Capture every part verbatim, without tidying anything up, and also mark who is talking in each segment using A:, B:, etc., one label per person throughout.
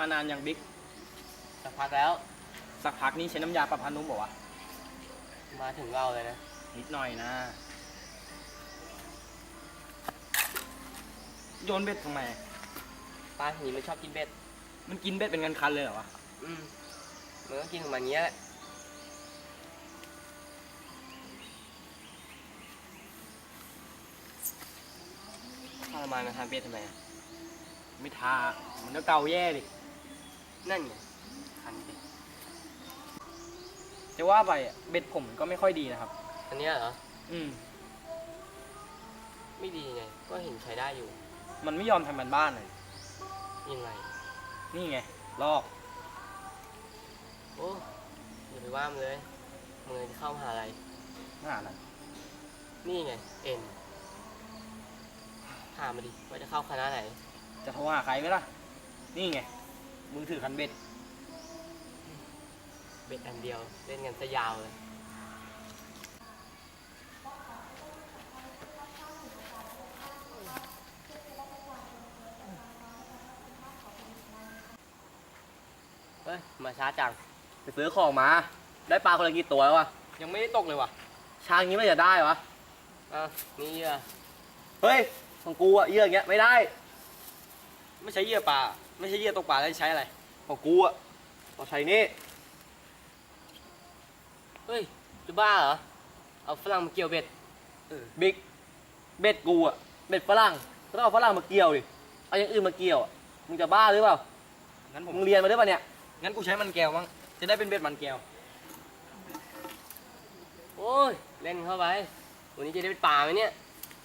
A: านานยังบิ๊ก
B: สักพักแล้ว
A: สักพักนี้ใช้น้ำยาปรับผ้านุ่มบอกว่า
B: มาถึงเราเลยนะ
A: นิดหน่อยนะโยนเบ็ดทำไม
B: ปลาหีมันชอบกินเบ็ด
A: มันกินเบ็ดเป็นกันคันเลยเหรอวะ
B: อืมมันก็กินของมันเงี้ยแหละทรมานมาทำเบ็ดทำไม
A: ไม่ทามันก็เกาแย่ดิ
B: นั่นไงคันดิ
A: จะว่าไปเบ็ดผมก็ไม่ค่อยดีนะครับ
B: อันนี้เหรอ
A: อืม
B: ไม่ดีไงก็เห็นใช้ได้อยู่
A: มันไม่ยอมทำมันบ้านเลย
B: ยังไง
A: นี่ไงลอก
B: โอ้อย่าไปว่ามันเลยมึงจะเข้ามหาอะไร
A: มหาอะไร
B: นี่ไงเอ็นถามมาดิว่าจะเข้าคณะไหน
A: จะโทรหาใครไหมล่ะนี่ไงมือถือคันเบ็ด
B: เบ็ดอันเดียวเล่นกันซะยาวเลยเฮ้ยมาช้าจัง
A: ไปซื้อของมาได้ปลาคนละกี่ตัวแล้ววะยังไม่ได้ตกเลยวะชางนี้ไม่จะได้วะ
B: อ่ะนี่เหยื่อ
A: เฮ้ยของกูอะเหยื่ออย่างเงี้ยไม่ได้ไม่ใช่เหยื่อปลาไม่ใช่เหยื่อตกปลาแล้วใช้อะไรของกูอะต้องใช้นี่
B: เฮ้ยจะบ้าเหรอเอาฝรั่งมาเกี่ยวเบ็ด
A: บิ๊กเบ็ดกูอะเบ็ดฝรั่งก็ต้องเอาฝรั่งมาเกี่ยวดิเอาอย่างอื่นมาเกี่ยวมึงจะบ้าหรือเปล่างั้นผมมึงเรียนมาด้วยป่ะเนี่ยงั้นกูใช้มันแก้วมั้งจะได้เป็นเบ็ดมันแก้ว
B: โอ้ยเล่นเข้าไปวันนี้จะได้เป็นปลาไหมเนี่ย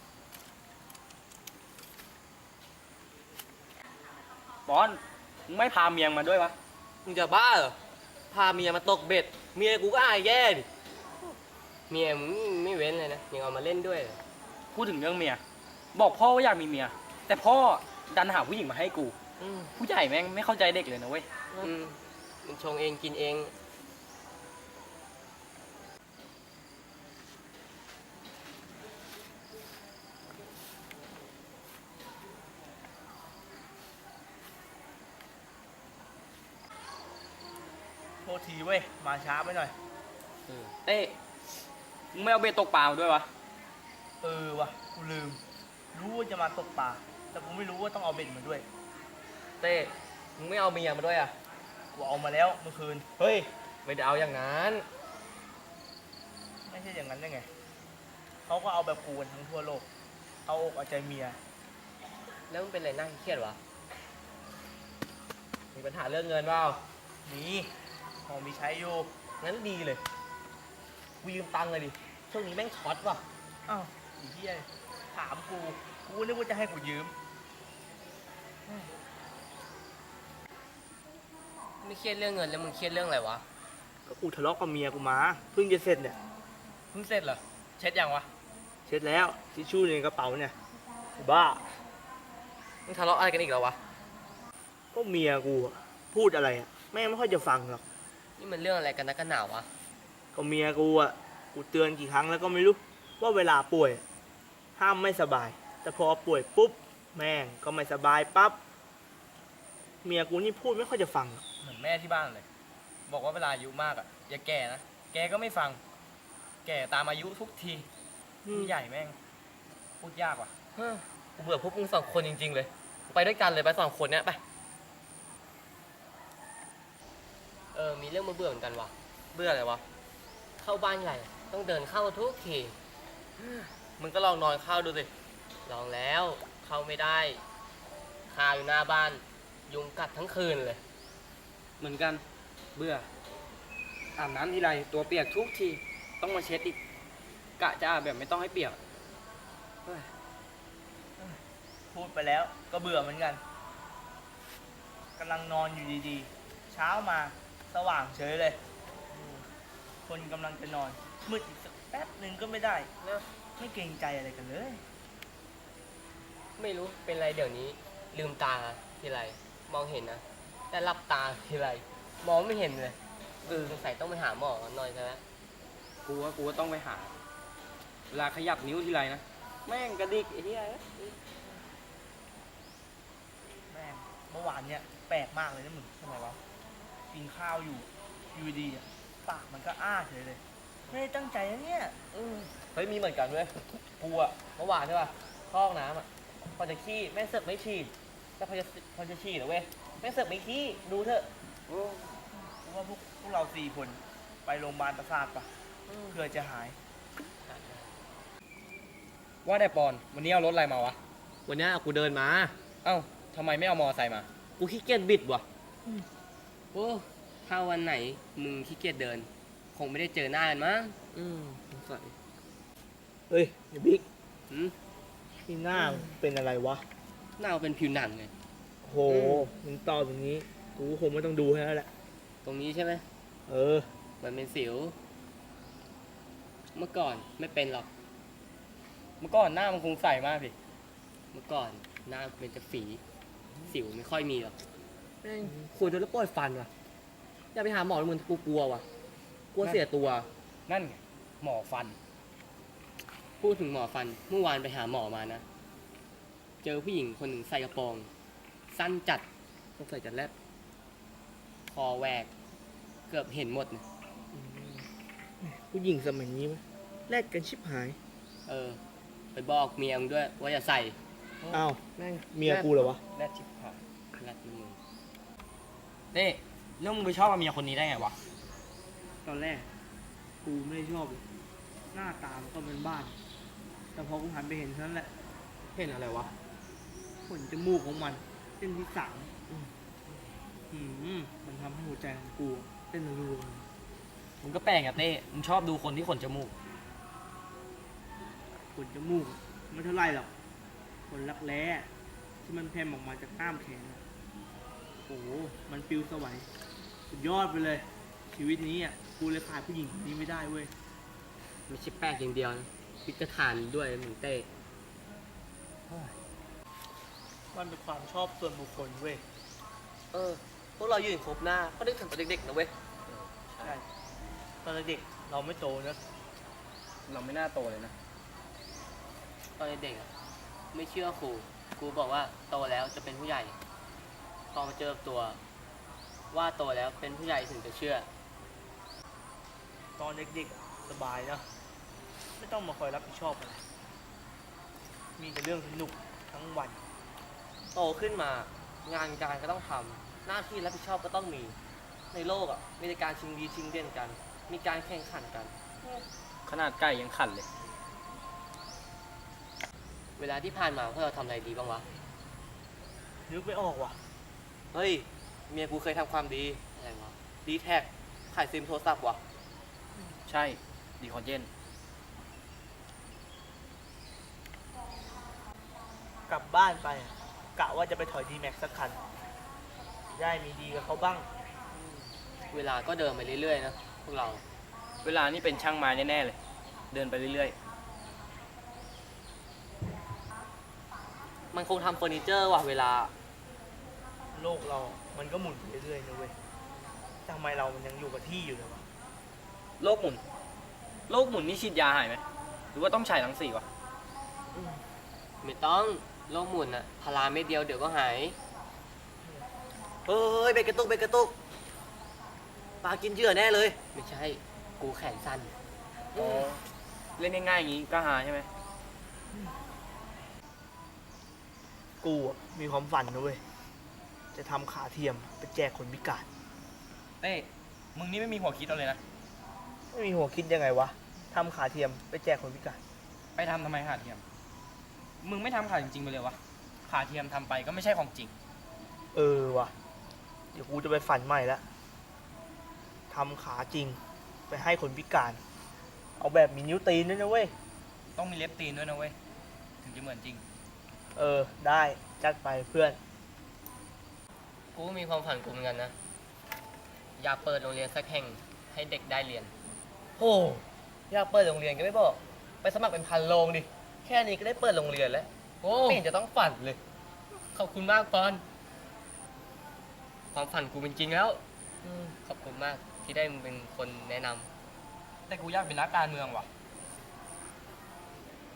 A: บอลมึงไม่พาเมียมาด้วยวะ
B: มึงจะบ้าเหรอพาเมียมาตกเบ็ดเมียกูก็อายแย่ดิเมียมึงไม่เว้นเลยนะยังเอามาเล่นด้วย
A: พูดถึงเรื่องเมียบอกพ่อว่าอยากมีเมียแต่พ่อดันหาผู้หญิงมาให้กูผู้ใหญ่แม่งไม่เข้าใจเด็กเลยนะเว้ย
B: มึงชงเองกินเอง
A: โทษทีเว้ยมาช้าไปหน่อยเต้มึงไม่เอาเบ็ดตกปลาด้วยวะ
C: เออวะกูลืมรู้ว่าจะมาตกปลาแต่กูไม่รู้ว่าต้องเอาเบ็ดมาด้วย
A: เต้มึงไม่เอาเมียมาด้วยอ่ะ
C: กูเอามาแล้วเมื่อคืน
A: เฮ้ยไม่ได้เอาอย่างนั้น
C: ไม่ใช่อย่างนั้นได้ไงเขาก็เอาแบบกูกันทั้งทั่วโลกเอาอกเอาใจเมีย
B: แล้วมันเป็นอะไรนั่งเครียดวะ
A: มีปัญหาเรื่องเงินเปล่า
C: มีพอมีใช้อยู่
A: งั้นดีเลยกูยืมตังค์เลยดิช่วงนี้แม่งช็อตว่ะ
C: อ้าวไอ้เหี้ยถามกูกูนึกว่าจะให้กูยืม
B: ไม่เครียดเรื่องเงินแล้วมึงเครียดเรื่องอะไรวะ
C: ก็กูทะเลาะกับเมียกูมาเพิ่งจะเสร็จเนี่ย
A: เพิ่งเสร็จเหรอเช็ดยังวะ
C: เช็ดแล้วทิชชู่ในกระเป๋าเนี่ยบ้า
B: มึงทะเลาะอะไรกันอีกแล้ววะ
C: ก็เมียกูพูดอะไรอ่ะแม่ไม่ค่อยจะฟังหรอก
B: นี่มันเรื่องอะไรกันนักกันหนาวะ
C: ก็เมียกูอ่ะกูเตือนกี่ครั้งแล้วก็ไม่รู้ว่าเวลาป่วยห้ามไม่สบายแต่พอป่วยปุ๊บแม่งก็ไม่สบายปั๊บเมียกูนี่พูดไม่ค่อยจะฟัง
A: เหมือนแม่ที่บ้านเลยบอกว่าเวลาอายุมากอ่ะอย่าแก่นะแกก็ไม่ฟังแก่ตามอายุทุกทีใหญ่แม่งพูดยากว่ะ
B: กูเบื่อพวกมึงสองคนจริงๆเลยไปด้วยกันเลยไปสองคนเนี้ยไปเออมีเรื่องมาเบื่อเหมือนกันวะเบื่ออะไรวะเข้าบ้านใหญ่ต้องเดินเข้าทุกทีมึงก็ลองนอนเข้าดูสิลองแล้วเข้าไม่ได้คาอยู่หน้าบ้านยุงกัดทั้งคืนเลย
A: เหมือนกันเบื่ออาบน้ำทีไรตัวเปียกทุกทีต้องมาเช็ดอีกกะจะอาบแบบไม่ต้องให้เปียก
C: พูดไปแล้วก็เบื่อเหมือนกันกำลังนอนอยู่ดีๆเช้ามาสว่างเฉยเลยคนกำลังจะนอนมืดอีกสักแป๊บหนึ่งก็ไม่ได้นะไม่เกรงใจอะไรกันเลย
B: ไม่รู้เป็นไรเดี๋ยวนี้ลืมตาทีไรมองเห็นนะแต่หลับตาทีไรมองไม่เห็นเลยเออสงสัยต้องไปหาหมอหน่อยใช่ไหม
A: กูว่ากูว่าต้องไปหาเวลาขยับนิ้วทีไรนะแม่งกระดิกไอ้เหี้ย
C: แม่งเมื่อวานเนี่ยไปปลกๆมากเลยนะมึงทำไมวะกินข้าวอยู่อยู่ดีๆอะปากมันก็อ้าเฉยเลย ไม่ได้ตั้งใจนะเนี่ย
A: อืมเฮ้ยมีเหมือนกันเว้ยกูอะเมื่อวานใช่ป่ะเข้าห้องน้ำอะพอจะขี้แม่งเสือกไม่ฉี่แต่พอจะพอจะฉี่นะเว้ยแม่งเสือกไม่ขี้ดูเถอะ
C: กูว่าพวกพวกเราสี่คนไปโรงพยาบาลประสาทปะเพื่อจะหาย
D: ว่าแต่ปอน วันนี้เอารถอะไรมาวะ
A: วันเนี้ยกูเดินมา
D: เอ้าทำไมไม่เอามอไซค์มา
A: กูขี้เกียจบิดว่ะ
B: โอ้ถ้าวันไหนมึงขี้เกียจเดิน คงไม่ได้เจอหน้ากันมั้ง
A: อืมสงสัย
C: เฮ้ยไอ้บิ๊ก
B: หืม
C: ที่หน้ามึงเป็นอะไรวะ
B: หน้าเป็นผิวหนังไง
C: โหมึงตอบอย่างนี้ กูคงไม่ต้องดูให้แล้วแหละ
B: ตรงนี้ใช่ไหม
C: เออ
B: มันเป็นสิว เมื่อก่อนไม่เป็นหรอก
D: เมื่อก่อนหน้ามันคงใสมากดิ
B: เมื่อก่อนหน้าเป็นจะฝี สิวไม่ค่อยมีหรอก
A: แม่งคุยจนแล้วปวดฟันว่ะอย่าไปหาหมอเลยมึงกูกลัวว่ะกลัวเสียตัว
D: นั่นไงหมอฟัน
B: พูดถึงหมอฟัน เมื่อวานไปหาหมอมานะ เจอผู้หญิงคนหนึ่งใส่กระโปรง สั้นจัด
A: ต้องใส่จัดแรก
B: คอแหวก เกือบเห็นหมดนะ
C: ผู้หญิงสมัยนี้มั้ยแลกกันชิบหาย
B: เออ ไปบอกเมียมึงด้วยว่าอย่าใส่
C: อ้าว
A: แม่ง
C: เมียกูเหรอวะ
D: แรดชิบหาย
B: รัดมือ
D: เต้เรื่องมึงไปชอบกับเมียคนนี้ได้ไงวะ
C: ตอนแรก กูไม่ได้ชอบเลยหน้าตามันก็เป็นบ้าน แต่พอกูหันไปเห็นเท่านั้นแหละ
A: เห็นอะไรวะ
C: ขนจมูกของมันเส้นที่สามอืมมันทำให้หัวใจของกูเต้นรัว
D: มึงก็แปลกอะเต้ มึงชอบดูคนที่ขนจมูก
C: ๆขนจมูกไม่เท่าไรหรอกขนรักแร้ที่มันแผ่ออกมาจากกล้ามแขนอะโอ้โหมันปิวสวัยสุดยอดไปเลย ชีวิตนี้อ่ะกูเลยขาดผู้หญิงคนนี้ไม่ได้เว้ย
B: ไม่ใช่แปลกอย่างเดียวนะพิจารณาด้วยมึงเต้
C: มันเป็นความชอบส่วนบุคคลเว้ย
A: เออ พวกเรายืนครบหน้า ก็นึกถึงตอนเด็กๆนะเว้ย
C: ใช่ตอนเด็กเราไม่โตนะ
D: เราไม่น่าโตเลยนะ
B: ตอนเด็กๆอะไม่เชื่อครู ครูบอกว่าโตแล้วจะเป็นผู้ใหญ่ พอมาเจอตัว ว่าโตแล้วเป็นผู้ใหญ่ถึงจะเชื่อ
C: ตอนเด็กๆอะสบายนะ ไม่ต้องมาคอยรับผิดชอบอะไรมีแต่เรื่องสนุกทั้งวัน
A: โตขึ้นมางานการก็ต้องทำหน้าที่รับผิดชอบก็ต้องมี ในโลกอ่ะมีแต่การชิงดีชิงเด่นกัน มีการแข่งขันกัน
D: ขนาดไก่ยังขันเลย
B: เวลาที่ผ่านมาพวกเราทำอะไรดีบ้างวะ
C: นึกไม่ออกว่ะ
A: เฮ้ย เมียกูเคยทำความดี
B: อะไรวะ
A: ดีแท็กขายซิมโทรศัพท์ว่ะ
D: ใช่ ดีคอนเจน
C: กลับบ้านไปอะกะว่าจะไปถอยดีแม็กสักคัน ได้มีดีกับเขาบ้าง
B: เวลาก็เดินไปเรื่อยๆนะพวกเรา
D: เวลานี่เป็นช่างไม้แน่ๆเลย เดินไปเรื่อย
A: มันคงทำเฟอร์นิเจอร์ว่ะเวลา
C: โลกเรา มันก็หมุนไปเรื่อยๆนะเว้ยทำไมเรามันยังอยู่กับที่อยู่เลยวะ
D: ๆ โลกหมุน โลกหมุนนี่ฉีดยาหายไหม หรือว่าต้องฉายรังสีวะ
B: ไม่ต้องโรคหมุนอะพาราเม็ดเดียวเดี๋ยวก็หาย
A: เฮ้ยเบรกกระตุกเบรกกระตุกปลากินเหยื่อแน่เลย
B: ไม่ใช่ กูแขนสั้น
D: อ๋อ เล่นง่ายๆอย่างงี้ก็หาใช่ไหม
C: กูอะมีความฝันนะเว้ย จะทำขาเทียมไปแจกคนพิการ
D: เต้ มึงนี่ไม่มีหัวคิดเอาเลยนะ
C: ไม่มีหัวคิดยังไงวะทำขาเทียมไปแจกคนพิการ
D: ไปทำทำไมขาเทียม มึงไม่ทำขาจริงๆไปเลยวะ ขาเทียมทำไปก็ไม่ใช่ของจริง
C: เออวะเดี๋ยวกูจะไปฝันใหม่ละทำขาจริง ไปให้คนพิการ เอาแบบมีนิ้วตีนด้วยนะเว้ย
D: ต้องมีเล็บตีนด้วยนะเว้ย ถึงจะเหมือนจริง
C: เออ ได้จัดไปเพื่อน
B: กูก็มีความฝันกูเหมือนกันนะ อยากเปิดโรงเรียนสักแห่งให้เด็กได้เรียน
A: โอ้อยากเปิดโรงเรียนก็ไม่บอก ไปสมัครเป็นพันโรงดิ แค่นี้ก็ได้เปิดโรงเรียนแล้ว
B: โอ้
A: ไม่เห็นจะต้องฝันเลย
B: ขอบคุณมากปอน ความฝันกูเป็นจริงแล้ว ขอบคุณมากที่ได้มึงเป็นคนแนะนำ
D: แต่กูอยากเป็นนักการเมืองว่ะ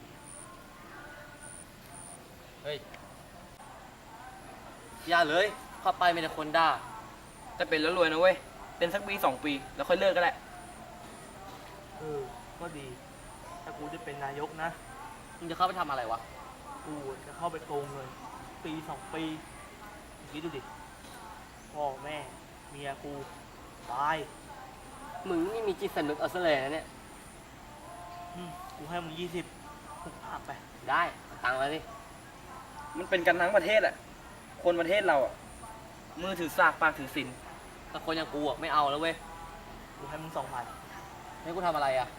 B: เฮ้ย
A: อย่าเลย
B: เข้าไปมีแต่คนด่า
A: แต่เป็นแล้วรวยนะเว้ย เป็นสักปีสองปี แล้วค่อยเลิกก็ได้
C: เออ ก็ดี ถ้ากูจะเป็นนายกนะ
B: มึงจะเข้าไปทำอะไรวะ
C: กูจะเข้าไปโกงเงินปีสองปีคิดดูดิ พ่อแม่ เมียกู ตาย
B: มึงนี่มีจิตสำนึกเอาซะเลยนะเนี่ย
C: อืมกูให้มึงยี่สิบถูกภาพไป
B: ได้เอาตังค์มาสิ
A: มันเป็นกันทั้งประเทศอะคนประเทศเราอะมือถือสากปากถือศีล
B: แต่คนอย่างกูอ่ะไม่เอาแล้วเว้ย
C: กูให้มึงสองพัน
B: ให้กูทำอะไรอ่ะ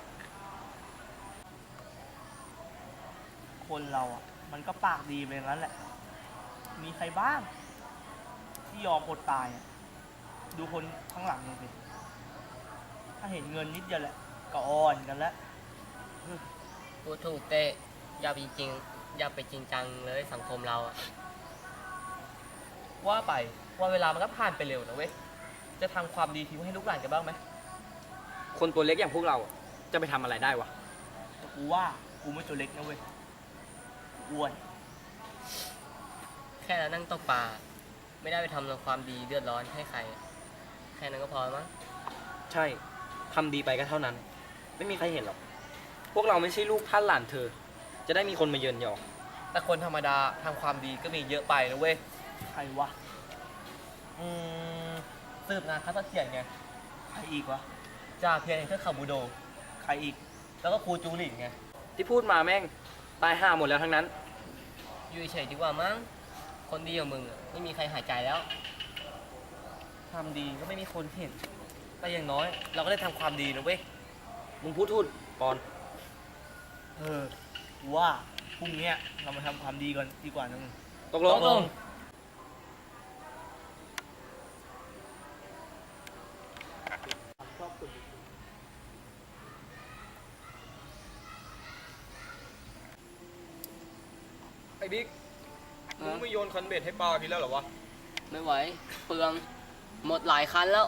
C: คนเราอ่ะ มันก็ปากดีไปอย่างนั้นแหละ มีใครบ้าง ที่ยอมอดตายอ่ะ ดูคนข้างหลังมึงสิถ้าเห็นเงินนิดเดียวแหละ ก็อ่อนกันแล้ว
B: พูดถูกเต้อย่าไปจริงอย่าไปจริงจังเลยสังคมเราอะว่าไปว่าเวลามันก็ผ่านไปเร็วนะเว้ย จะทำความดีทิ้งให้ลูกหลานกันบ้างไหม
A: คนตัวเล็กอย่างพวกเราอะจะไปทำอะไรได้วะ
C: แต่กูว่ากูไม่ตัวเล็กนะเว้ยอ้วน
B: แค่เรานั่งตกปลาไม่ได้ไปทำความดีเดือดร้อนให้ใคร แค่นั้นก็พอมั้ง
A: ใช่ทำดีไปก็เท่านั้น ไม่มีใครเห็นหรอก พวกเราไม่ใช่ลูกท่านหลานเธอ จะได้มีคนมาเยินยอ
B: แต่คนธรรมดาทำความดีก็มีเยอะไปนะเว้ย
C: ใครวะ
B: อืมสืบนาคาสเถียรไง
C: ใครอีกวะ
B: จ่าเพียรเทือกเขาบูโด
C: ใครอีก
B: แล้วก็ครูจูหลินไง
A: ที่พูดมาแม่ง ตายห่าหมดแล้วทั้งนั้น
B: อยู่เฉยๆดีกว่ามั้ง คนดีอย่างมึงอะไม่มีใครหายใจแล้ว ทำดีก็ไม่มีคนเห็น แต่อย่างน้อย เราก็ได้ทำความดีนะเว้ย
A: มึงพูดทูดปอน
C: เออกูว่าพรุ่งเนี้ยเรามาทำความดีกันดีกว่านะมึง
A: ตกลง
B: ตกลง
C: ชอบคนดี
D: ไอ้บิ๊ก มึงไม่โยนคันเบ็ดให้ปลากินแล้วเหรอวะ
B: ไม่ไหว เปลือง หมดหลายคันแล้ว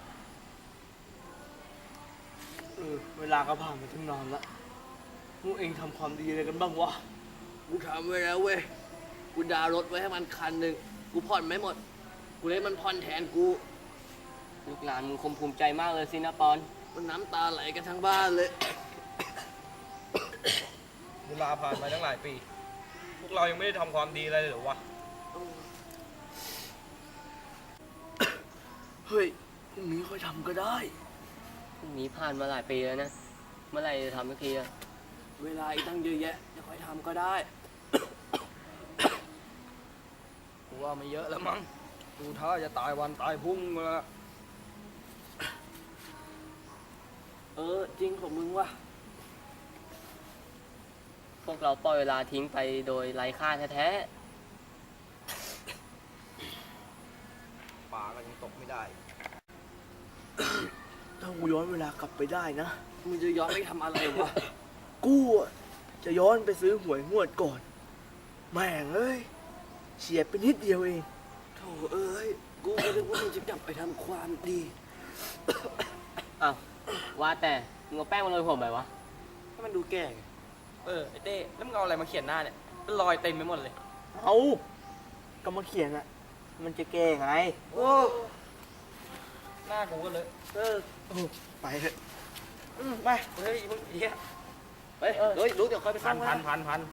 C: เออเวลาก็ผ่านมาตั้งนานละพวกเองทำความดีอะไรกันบ้างวะ
E: กูทำไว้แล้วเว้ย กูดาวน์รถไว้ให้มันคันหนึ่ง กูผ่อนไม่หมด กูเลยมันผ่อนแทนกู
B: ลูกหลานมึงคงภูมิใจมากเลยสินะปอน
E: มันน้ำตาไหลกันทั้งบ้านเลย
D: เวลาผ่านมาตั้งหลายปี พวกเรายังไม่ได้ทำความดีอะไรเลยเหรอวะ
E: เฮ้ย พรุ่งนี้ค่อยทำก็ได้
B: พรุ่งนี้ผ่านมาหลายปีแล้วนะ เมื่อไหร่จะทำสักทีอะ
E: เวลาอีกตั้งเยอะแยะจะค่อยทำก็ได้
A: กูว่าไม่เยอะแล้วมั้งดูท่าจะตายวันตายพรุ่งมาละ
E: เออ จริงของมึงว่ะ
B: พวกเราปล่อยเวลาทิ้งไปโดยไร้ค่าแท้
A: ปลาก็ยังตกไม่ได้
C: ถ้ากูย้อนเวลากลับไปได้นะ
E: มึงจะย้อนไปทำอะไรวะ
C: กูอะจะย้อนไปซื้อหวยงวดก่อน แม่งเอ้ยเฉียดไปนิดเดียวเอง
E: โถเอ้ย กูก็นึกว่ามึงจะกลับไปทำความดี
B: ๆ อ้าว ว่าแต่ มึงเอาแป้งมาโรยผมไปวะ
E: ให้มันดูแก่ไง
A: เออ ไอ้เต้ แล้วมึงเอาอะไรมาเขียนหน้าเนี่ยเป็นรอยเต็มไปหมดเลย
C: เอาก็มาเขียนอะมันจะแก้ไง
E: โอ้
A: หน้ากูก็เลย
E: เออ
C: ไปเถอะ
E: อืมไป
A: เฮ้ยมึงเหี้ย
E: ไปเฮ้ยรู้เดี๋ยวค่อยไป
D: พั
E: ซ่อน ม
D: พันพันพัน